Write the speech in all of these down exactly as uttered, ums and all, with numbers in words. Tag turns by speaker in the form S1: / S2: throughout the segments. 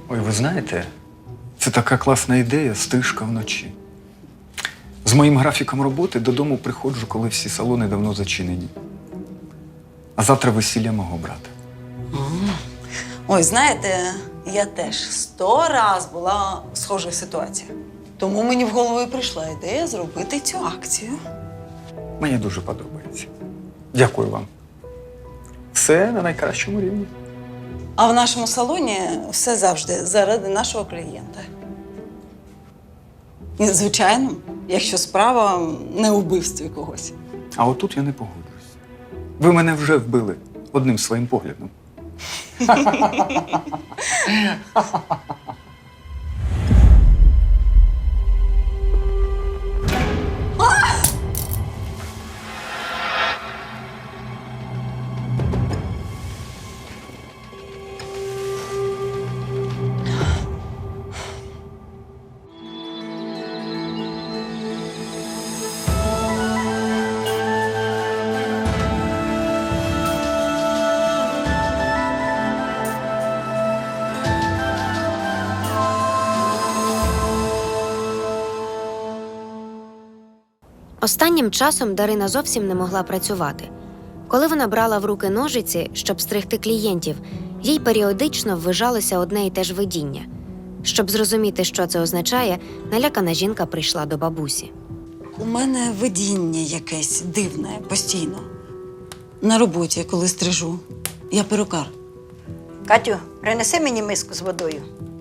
S1: Ой, ви знаєте, це така класна ідея – стрижка вночі. З моїм графіком роботи додому приходжу, коли всі салони давно зачинені. А завтра весілля мого брата.
S2: Ой, знаєте, я теж сто раз була в схожій ситуації. Тому мені в голову і прийшла ідея зробити цю акцію.
S1: Мені дуже подобається. Дякую вам. Все на найкращому рівні.
S2: А в нашому салоні все завжди заради нашого клієнта. І, звичайно, якщо справа не у вбивстві когось.
S1: А отут я не погоджуюсь. Ви мене вже вбили одним своїм поглядом.
S3: Останнім часом Дарина зовсім не могла працювати. Коли вона брала в руки ножиці, щоб стригти клієнтів, їй періодично ввижалося одне й те ж видіння. Щоб зрозуміти, що це означає, налякана жінка прийшла до бабусі.
S2: У мене видіння якесь дивне постійно. На роботі, коли стрижу. Я перукар.
S4: Катю, принеси мені миску з водою.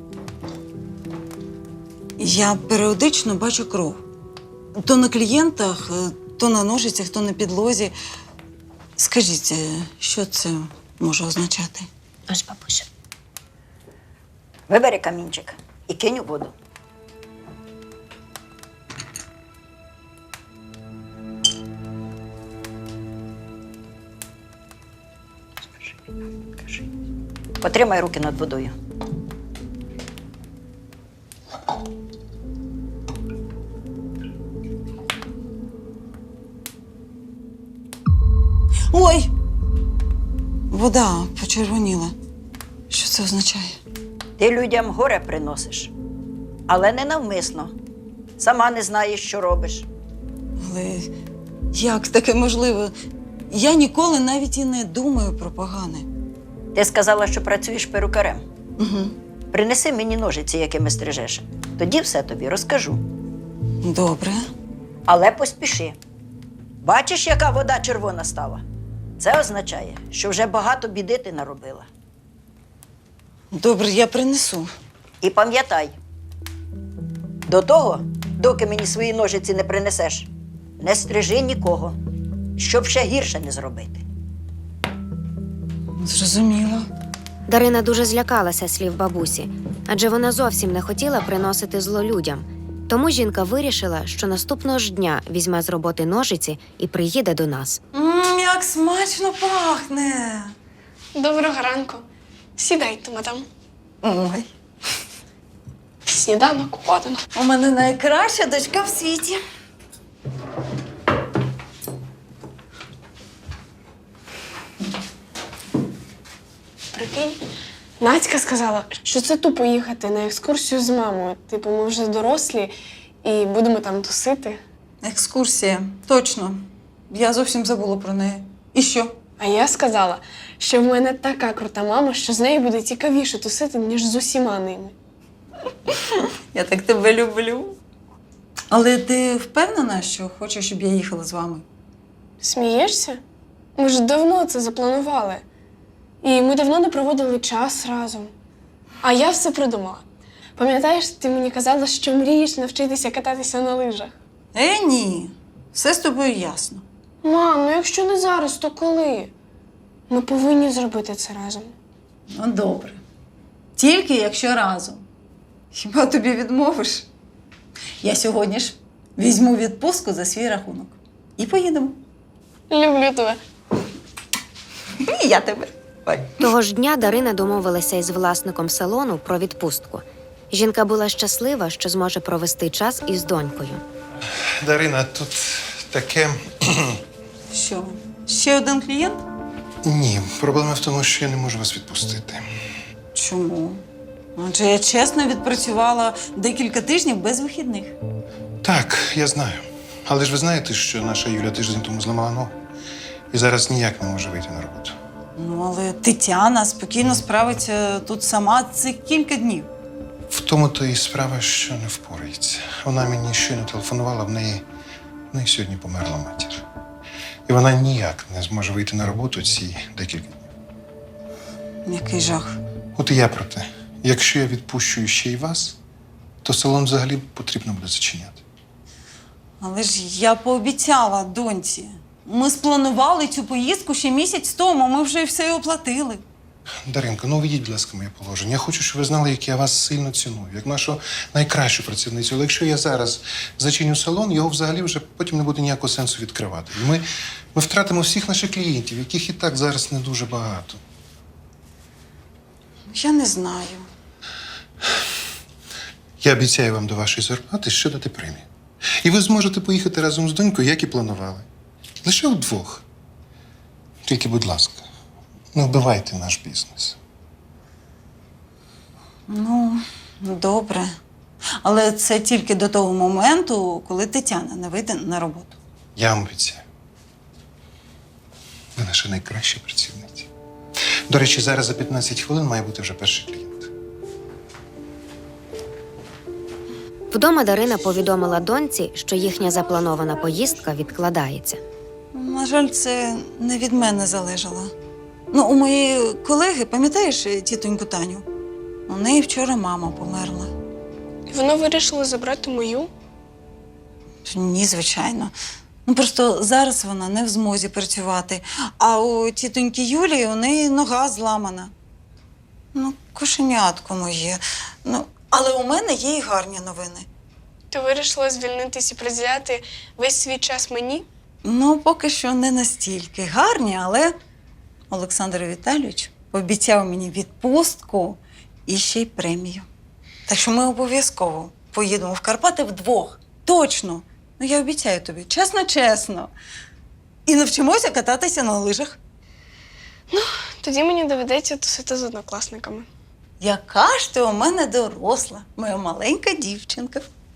S2: Я періодично бачу кров. То на клієнтах, то на ножицях, то на підлозі. Скажіть, що це може означати?
S3: Ось, бабуся.
S4: Вибери камінчик і кинь у воду. Потримай руки над водою.
S2: Ой! Вода почервоніла. Що це означає?
S4: Ти людям горе приносиш, але не навмисно. Сама не знаєш, що робиш.
S2: Але як таке можливо? Я ніколи навіть і не думаю про погане.
S4: Ти сказала, що працюєш перукарем.
S2: Угу.
S4: Принеси мені ножиці, якими стрижеш. Тоді все тобі розкажу.
S2: Добре.
S4: Але поспіши. Бачиш, яка вода червона стала? Це означає, що вже багато біди ти наробила.
S2: Добре, я принесу.
S4: І пам'ятай, до того, доки мені свої ножиці не принесеш, не стрижи нікого, щоб ще гірше не зробити.
S2: Зрозуміло.
S3: Дарина дуже злякалася слів бабусі, адже вона зовсім не хотіла приносити зло людям. Тому жінка вирішила, що наступного ж дня візьме з роботи ножиці і приїде до нас.
S2: Ммм, як смачно пахне!
S5: Доброго ранку. Сідайте, мадам.
S2: Ой,
S5: Сніданок подано.
S2: у мене найкраща дочка в світі.
S5: Прикинь, Надька сказала, що це тупо їхати на екскурсію з мамою. Типу, ми вже дорослі і будемо там тусити.
S2: Екскурсія. Точно. Я зовсім забула про неї. І що?
S5: А я сказала, що в мене така крута мама, що з нею буде цікавіше тусити, ніж з усіма ними.
S2: Я так тебе люблю. Але ти впевнена, що хочеш, щоб я їхала з вами?
S5: Смієшся? Ми ж давно це запланували. І ми давно не проводили час разом. А я все придумала. Пам'ятаєш, ти мені казала, що мрієш навчитися кататися на лижах?
S2: Е, ні. Все з тобою ясно.
S5: Мам, ну якщо не зараз, то коли? Ми повинні зробити це разом.
S2: Ну, добре. Тільки якщо разом. Хіба тобі відмовиш? Я сьогодні ж візьму відпустку за свій рахунок. І поїдемо.
S5: Люблю тебе.
S2: І я тебе. Ой.
S3: Того ж дня Дарина домовилася із власником салону про відпустку. Жінка була щаслива, що зможе провести час із донькою.
S6: Дарина, тут таке.
S2: Що, ще один клієнт?
S6: Ні, проблема в тому, що я не можу вас відпустити.
S2: Чому? Адже я чесно відпрацювала декілька тижнів без вихідних.
S6: Так, я знаю. Але ж ви знаєте, що наша Юля тиждень тому зламала ногу. І зараз ніяк не може вийти на роботу.
S2: Ну, але Тетяна спокійно справиться тут сама. Це кілька днів.
S6: В тому то і справа, що не впорається. Вона мені щойно телефонувала, в неї, в неї сьогодні померла матір. І вона ніяк не зможе вийти на роботу ці декілька днів.
S2: Який жах.
S6: От і я про те. Якщо я відпущу ще й вас, то салон взагалі потрібно буде зачиняти.
S2: Але ж я пообіцяла доньці. Ми спланували цю поїздку ще місяць тому, ми вже все оплатили.
S6: Даринко, ну увійдіть, будь ласка, моє положення. Я хочу, щоб ви знали, як я вас сильно ціную, як нашу найкращу працівницю. Але якщо я зараз зачиню салон, його взагалі вже потім не буде ніякого сенсу відкривати. І ми, ми втратимо всіх наших клієнтів, яких і так зараз не дуже багато.
S2: Я не знаю.
S6: Я обіцяю вам до вашої зарплати ще дати премію. І ви зможете поїхати разом з донькою, як і планували. Лише вдвох. Тільки, будь ласка, не вбивайте наш бізнес.
S2: Ну, добре. Але це тільки до того моменту, коли Тетяна не вийде на роботу.
S6: Я вам обіцяю. Ви наша найкраща працівниця. До речі, зараз за п'ятнадцять хвилин має бути вже перший клієнт.
S3: Вдома Дарина повідомила доньці, що їхня запланована поїздка відкладається.
S2: На жаль, це не від мене залежало. Ну, у моєї колеги, пам'ятаєш тітоньку Таню? У неї вчора мама померла.
S5: І вона вирішила забрати мою.
S2: Ні, звичайно. Ну, просто зараз вона не в змозі працювати. А у тітоньки Юлії у неї нога зламана. Ну, кошенятко моє. Ну, але у мене є і гарні новини.
S5: Ти вирішила звільнитись і приділяти весь свій час мені?
S2: Ну, поки що не настільки гарні, але Олександр Віталійович пообіцяв мені відпустку і ще й премію. Так що ми обов'язково поїдемо в Карпати вдвох. Точно. Ну, я обіцяю тобі, чесно-чесно. І навчимося кататися на лижах.
S5: Тоді мені доведеться тусити з однокласниками.
S2: Яка ж ти у мене доросла, моя маленька дівчинка.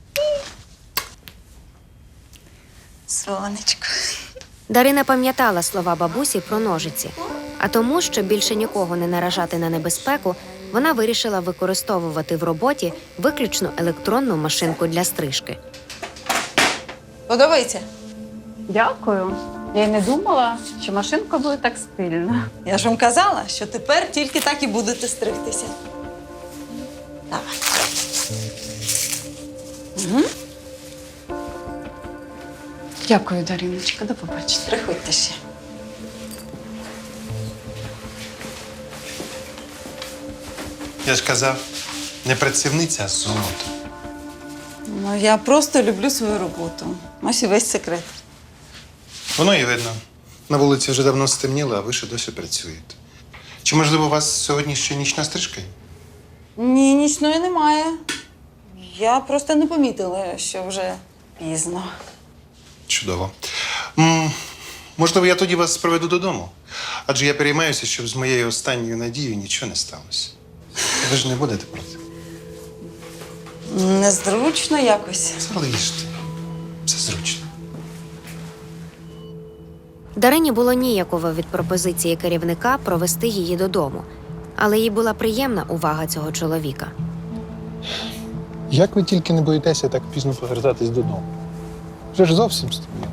S2: Сонечко.
S3: Дарина пам'ятала слова бабусі про ножиці, а тому, щоб більше нікого не наражати на небезпеку, вона вирішила використовувати в роботі виключно електронну машинку для стрижки.
S2: Подобається?
S7: Дякую. Я й не думала, що машинка буде так стильна.
S2: Я ж вам казала, що тепер тільки так і будете стригтися. Давай. Угу.
S7: Дякую, Дариночка. До побачення.
S2: Приходьте ще.
S6: Я ж казав, не працівниця, а золото.
S2: Ну, я просто люблю свою роботу. Ось і весь секрет.
S6: Воно і видно. На вулиці вже давно стемніло, а ви ще досі працюєте. Чи, можливо, у вас сьогодні ще нічна стрижка?
S2: Ні, нічної немає. Я просто не помітила, що вже пізно.
S6: Чудово. М, можливо, я тоді вас проведу додому. Адже я переймаюся, щоб з моєю останньою надією нічого не сталося. Ви ж не будете проти?
S2: Незручно якось.
S6: Залиште. Все зручно.
S3: Дарині було ніяково від пропозиції керівника провести її додому, але їй була приємна увага цього чоловіка.
S6: Як ви тільки не боїтеся так пізно повертатись додому? Вже ж зовсім стемніло.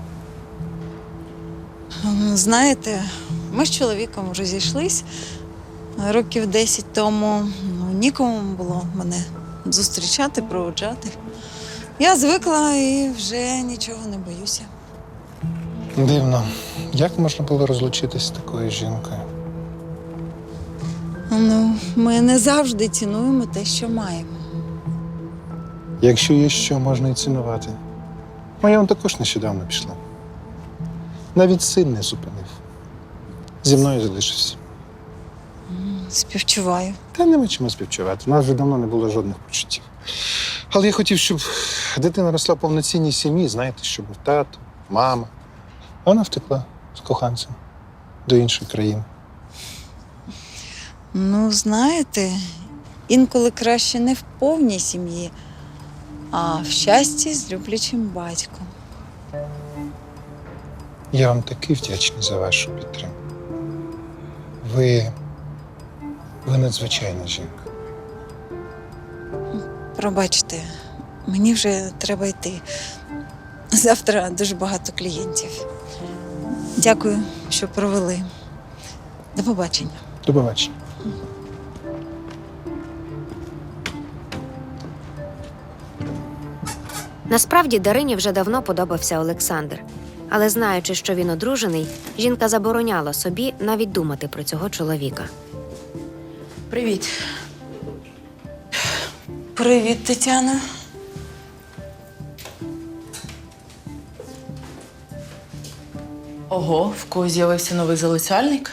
S2: Знаєте, ми з чоловіком вже зійшлись років десять тому. Ну, нікому було мене зустрічати, проводжати. Я звикла і вже нічого не боюся.
S6: Дивно. Як можна було розлучитись з такою жінкою?
S2: Ну, ми не завжди цінуємо те, що маємо.
S6: Якщо є що, можна і цінувати. Моя он також нещодавно пішла. Навіть син не зупинив. Зі мною залишився.
S2: Співчуваю.
S6: Та нема чому співчувати. У нас вже давно не було жодних почуттів. Але я хотів, щоб дитина росла в повноцінній сім'ї, знаєте, щоб був тато, мама. А вона втекла з коханцем до іншої країни.
S2: Ну, знаєте, інколи краще не в повній сім'ї, а в щасті з люблячим батьком.
S6: Я вам такий вдячний за вашу підтримку. Ви. Ви надзвичайна жінка.
S2: Пробачте, мені вже треба йти. Завтра дуже багато клієнтів. Дякую, що провели. До побачення.
S6: До побачення.
S3: Насправді Дарині вже давно подобався Олександр. Але знаючи, що він одружений, жінка забороняла собі навіть думати про цього чоловіка.
S8: Привіт.
S2: Привіт, Тетяна.
S8: Ого, в когось з'явився новий залицяльник.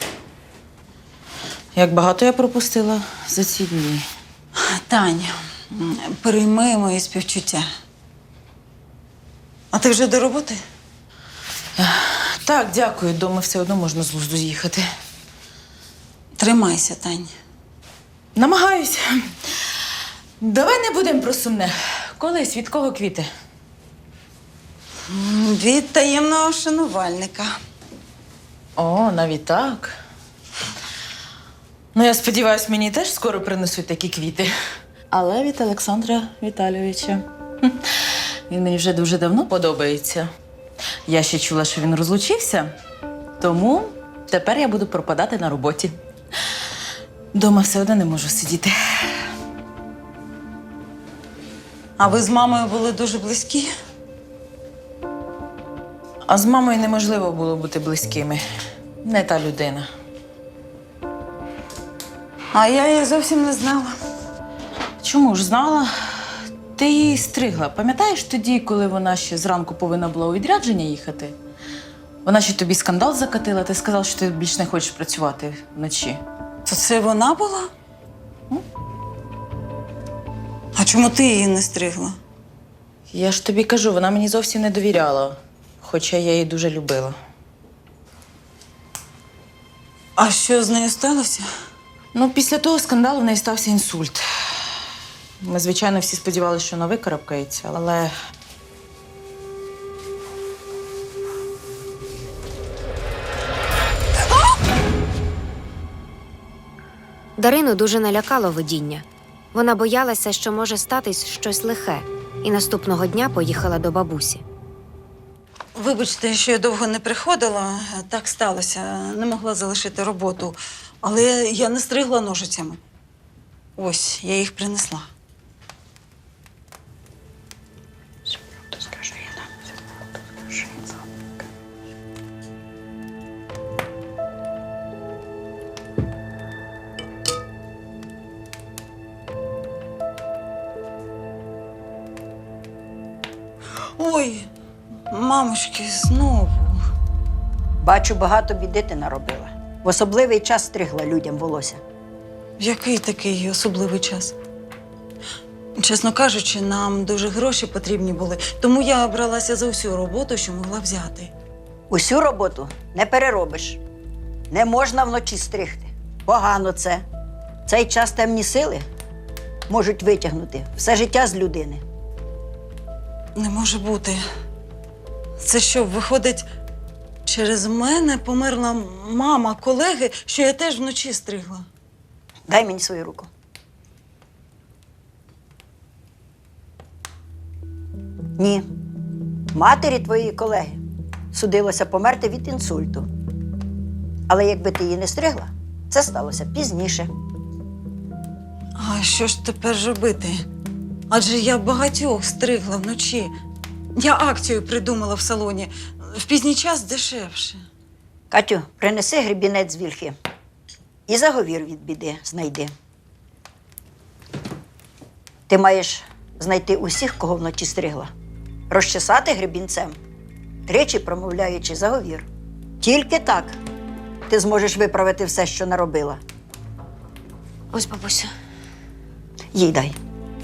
S8: Як багато я пропустила за ці дні.
S2: Таня, прийми мої співчуття. А ти вже до роботи?
S8: Так, дякую, дома все одно можна з лузду з'їхати.
S2: Тримайся, Тань.
S8: Намагаюсь. Давай не будемо про сумне. Колись від кого квіти?
S2: Від таємного шанувальника.
S8: О, навіть так. Ну, я сподіваюся, мені теж скоро принесуть такі квіти. Але від Олександра Віталійовича. Хм. Він мені вже дуже давно подобається. Я ще чула, що він розлучився, тому тепер я буду пропадати на роботі. Дома все одно не можу сидіти.
S2: А ви з мамою були дуже близькі?
S8: А з мамою неможливо було бути близькими. Не та людина.
S2: А я її зовсім не знала.
S8: Чому ж знала? Ти її стригла. Пам'ятаєш тоді, коли вона ще зранку повинна була у відрядження їхати? Вона ще тобі скандал закатила, ти сказав, що ти більш не хочеш працювати вночі.
S2: То це вона була? А чому ти її не стригла?
S8: Я ж тобі кажу, вона мені зовсім не довіряла, хоча я її дуже любила.
S2: А що з нею сталося?
S8: Ну, після того скандалу в неї стався інсульт. Ми, звичайно, всі сподівалися, що вона викарабкається, але
S3: Дарину дуже налякало видіння. Вона боялася, що може статись щось лихе, і наступного дня поїхала до бабусі.
S2: Вибачте, що я довго не приходила. Так сталося. Не могла залишити роботу. Але я не стригла ножицями. Ось, я їх принесла. Ой, мамочки, знову.
S4: Бачу, багато біди ти наробила. В особливий час стригла людям волосся.
S2: Який такий особливий час? Чесно кажучи, нам дуже гроші потрібні були, тому я бралася за всю роботу, що могла взяти.
S4: Усю роботу не переробиш. Не можна вночі стригти. Погано це. В цей час темні сили можуть витягнути все життя з людини.
S2: Не може бути. Це що, виходить, через мене померла мама колеги, що я теж вночі стригла?
S4: Дай мені свою руку. Ні. Матері твоєї колеги судилося померти від інсульту. Але якби ти її не стригла, це сталося пізніше.
S2: А що ж тепер робити? Адже я багатьох стригла вночі. Я акцію придумала в салоні. В пізній час дешевше.
S4: Катю, принеси гребінець з вільхи. І заговір від біди знайди. Ти маєш знайти усіх, кого вночі стригла. Розчесати гребінцем, тричі промовляючи заговір. Тільки так ти зможеш виправити все, що наробила.
S3: Ось, бабусю.
S4: Їй дай.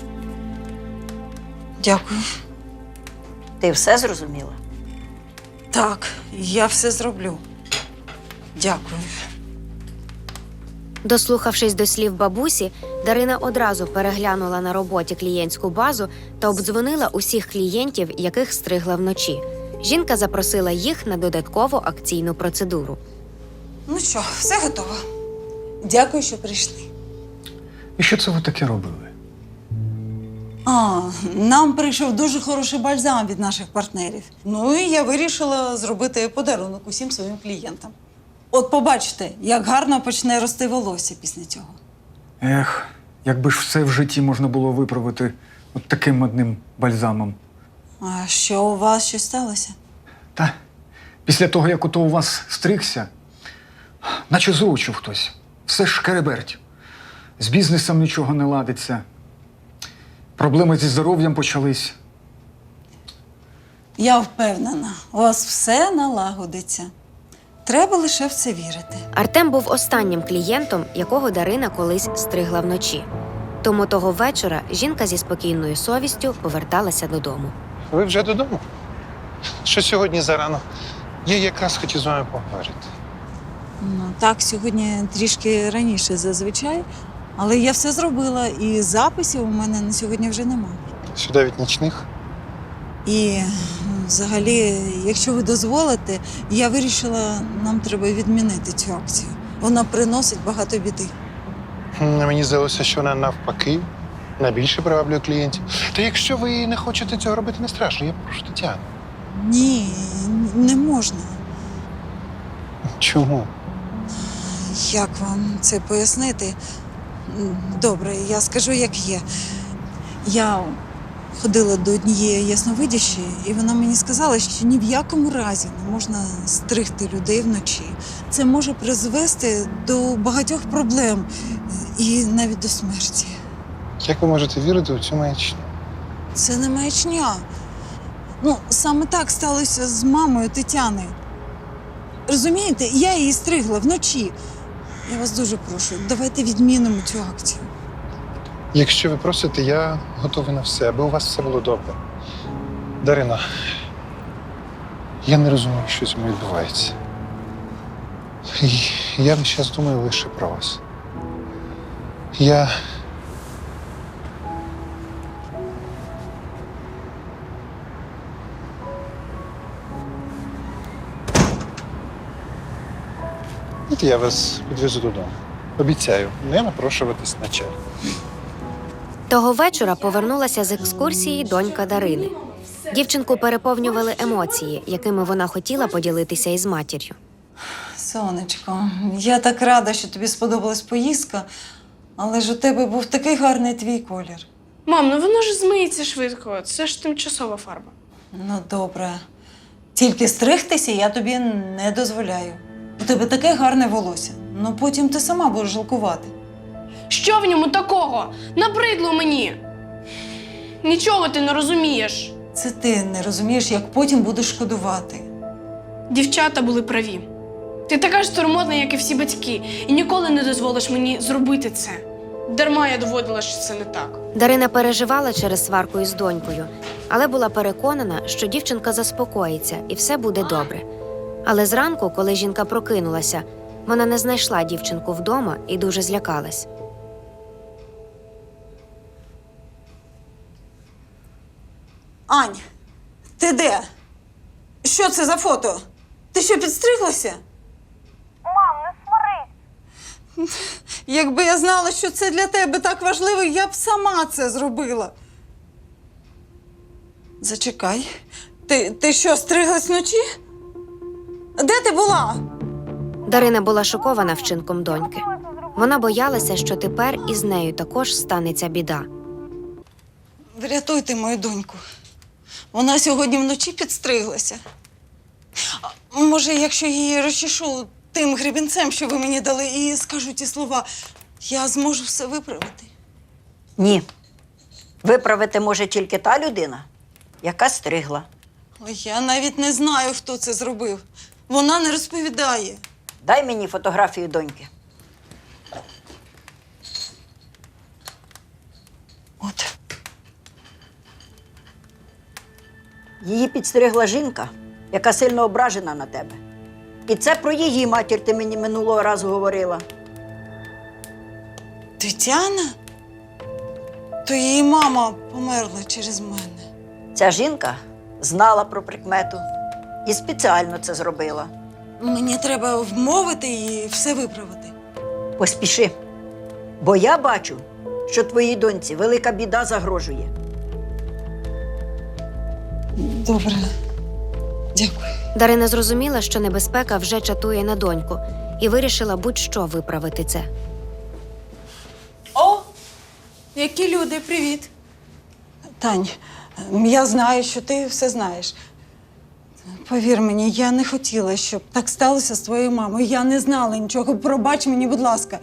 S2: Дякую.
S4: Ти все зрозуміла?
S2: Так, я все зроблю. Дякую.
S3: Дослухавшись до слів бабусі, Дарина одразу переглянула на роботі клієнтську базу та обдзвонила усіх клієнтів, яких стригла вночі. Жінка запросила їх на додаткову акційну процедуру.
S2: Ну що, все готово. Дякую, що прийшли.
S1: І що це ви таке робили?
S2: А, нам прийшов дуже хороший бальзам від наших партнерів. Ну і я вирішила зробити подарунок усім своїм клієнтам. От побачите, як гарно почне рости волосся після цього.
S1: Ех, якби ж все в житті можна було виправити от таким одним бальзамом.
S2: А що у вас щось сталося?
S1: Та після того, як ото у вас стригся, наче з очів хтось. Все ж шкереберть. З бізнесом нічого не ладиться. Проблеми зі здоров'ям почались.
S2: Я впевнена, у вас все налагодиться. Треба лише в це вірити.
S3: Артем був останнім клієнтом, якого Дарина колись стригла вночі. Тому того вечора жінка зі спокійною совістю поверталася додому.
S6: Ви вже додому? Що сьогодні зарано? Я якраз хотів з вами поговорити.
S2: Ну так, сьогодні трішки раніше зазвичай, але я все зробила, і записів у мене на сьогодні вже немає.
S6: Сюди від нічних.
S2: І взагалі, якщо ви дозволите, я вирішила, нам треба відмінити цю акцію. Вона приносить багато біди.
S6: М, Мені здалося, що вона навпаки найбільше приваблює клієнтів. Та якщо ви не хочете цього робити, не страшно. Я прошу Тетяну.
S2: Ні, не можна.
S6: Чому?
S2: Як вам це пояснити? Добре, я скажу, як є. Я ходила до однієї ясновидящої, і вона мені сказала, що ні в якому разі не можна стригти людей вночі. Це може призвести до багатьох проблем і навіть до смерті.
S6: Як ви можете вірити у цю маячню?
S2: Це не маячня. Ну, саме так сталося з мамою Тетяни. Розумієте, я її стригла вночі. Я вас дуже прошу, давайте відмінимо цю акцію.
S6: Якщо ви просите, я готовий на все, аби у вас все було добре. Дарина, я не розумію, що з мною відбувається. І я весь час думаю лише про вас. Я. От я вас відвезу додому. Обіцяю, не напрошуватись на чай.
S3: Того вечора повернулася з екскурсії донька Дарини. Дівчинку переповнювали емоції, якими вона хотіла поділитися із матір'ю.
S2: Сонечко, я так рада, що тобі сподобалась поїздка, але ж у тебе був такий гарний твій колір.
S5: Мам, ну воно ж змиється швидко. Це ж тимчасова фарба.
S2: Ну, добре. Тільки стригтися я тобі не дозволяю. У тебе таке гарне волосся. Ну потім ти сама будеш жалкувати.
S5: Що в ньому такого? Набридло мені. Нічого ти не розумієш.
S2: Це ти не розумієш, як потім будеш шкодувати.
S5: Дівчата були праві. Ти така ж турмотна, як і всі батьки, і ніколи не дозволиш мені зробити це. Дарма я доводила, що це не так.
S3: Дарина переживала через сварку із донькою, але була переконана, що дівчинка заспокоїться і все буде добре. Але зранку, коли жінка прокинулася, вона не знайшла дівчинку вдома і дуже злякалась.
S2: Ань, ти де? Що це за фото? Ти що, підстриглася?
S9: Мам, не сварись.
S2: Якби я знала, що це для тебе так важливо, я б сама це зробила. Зачекай. Ти, ти що, стриглась вночі? Де ти була?
S3: Дарина була шокована вчинком доньки. Вона боялася, що тепер із нею також станеться біда.
S2: Врятуйте мою доньку. Вона сьогодні вночі підстриглася. А, може, якщо її розчешу тим гребінцем, що ви мені дали, і скажу ті слова, я зможу все виправити.
S4: Ні. Виправити може тільки та людина, яка стригла.
S2: Але я навіть не знаю, хто це зробив. Вона не розповідає.
S4: Дай мені фотографію доньки.
S2: От.
S4: Її підстригла жінка, яка сильно ображена на тебе. І це про її матір ти мені минулого разу говорила.
S2: Тетяна? То її мама померла через мене.
S4: Ця жінка знала про прикмету і спеціально це зробила.
S2: Мені треба вмовити її все виправити.
S4: Поспіши, бо я бачу, що твоїй доньці велика біда загрожує.
S2: Добре. Дякую.
S3: Дарина зрозуміла, що небезпека вже чатує на доньку, і вирішила будь-що виправити це.
S8: О! Які люди, привіт!
S2: Тань, я знаю, що ти все знаєш. Повір мені, я не хотіла, щоб так сталося з твоєю мамою. Я не знала нічого. Пробач мені, будь ласка.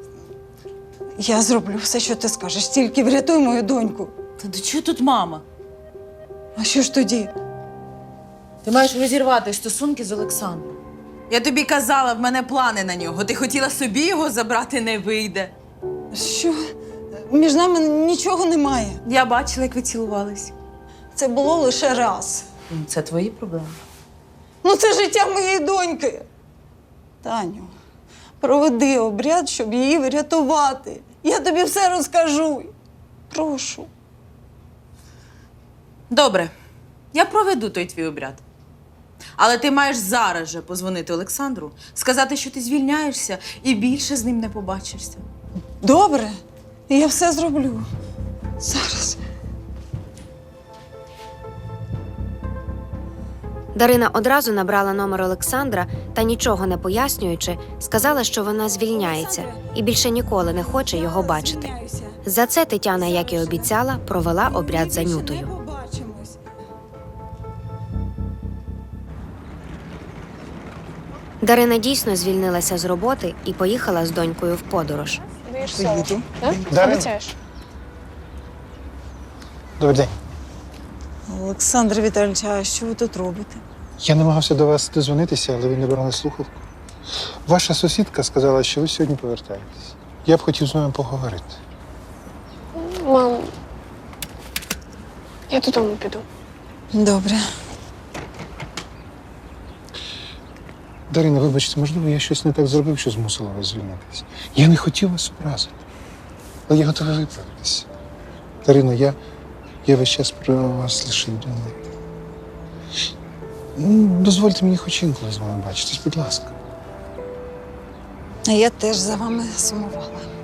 S2: Я зроблю все, що ти скажеш. Тільки врятуй мою доньку.
S8: Та до чого тут мама?
S2: А що ж тоді?
S8: Ти маєш розірвати стосунки з Олександром. Я тобі казала, в мене плани на нього. Ти хотіла собі його забрати, не вийде.
S2: Що? Між нами нічого немає.
S8: Я бачила, як ви цілувались.
S2: Це було лише раз.
S8: Це твої проблеми.
S2: Ну, це життя моєї доньки. Таню, проведи обряд, щоб її врятувати. Я тобі все розкажу. Прошу.
S8: Добре, я проведу той твій обряд. Але ти маєш зараз же позвонити Олександру, сказати, що ти звільняєшся і більше з ним не побачишся.
S2: Добре, я все зроблю. Зараз.
S3: Дарина одразу набрала номер Олександра та, нічого не пояснюючи, сказала, що вона звільняється і більше ніколи не хоче його бачити. За це Тетяна, як і обіцяла, провела обряд за Нютою. Дарина дійсно звільнилася з роботи і поїхала з донькою в подорож.
S5: Даєш слово, так?
S6: Дарин.
S5: Обіцяєш?
S6: Добрий день.
S2: Олександр Віталійович, а що ви тут робите?
S6: Я намагався до вас дозвонитися, але ви не брали слухавку. Ваша сусідка сказала, що ви сьогодні повертаєтесь. Я б хотів з вами поговорити.
S5: Мам, я додому піду.
S2: Добре.
S6: Дарина, вибачте, можливо, я щось не так зробив, що змусила вас звільнитися. Я не хотів вас образити, але я готовий виправитися. Дарина, я, я весь час про вас лише думаю. Ну, дозвольте мені хоч інколи з вами бачитись, будь ласка.
S2: А я теж за вами сумувала.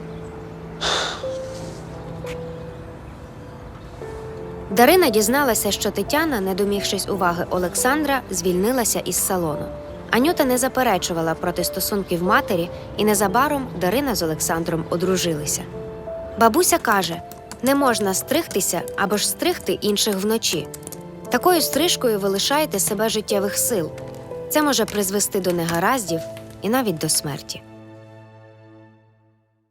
S3: Дарина дізналася, що Тетяна, не домігшись уваги Олександра, звільнилася із салону. Анюта не заперечувала проти стосунків матері, і незабаром Дарина з Олександром одружилися. Бабуся каже, не можна стригтися або ж стригти інших вночі. Такою стрижкою ви лишаєте себе життєвих сил. Це може призвести до негараздів і навіть до смерті.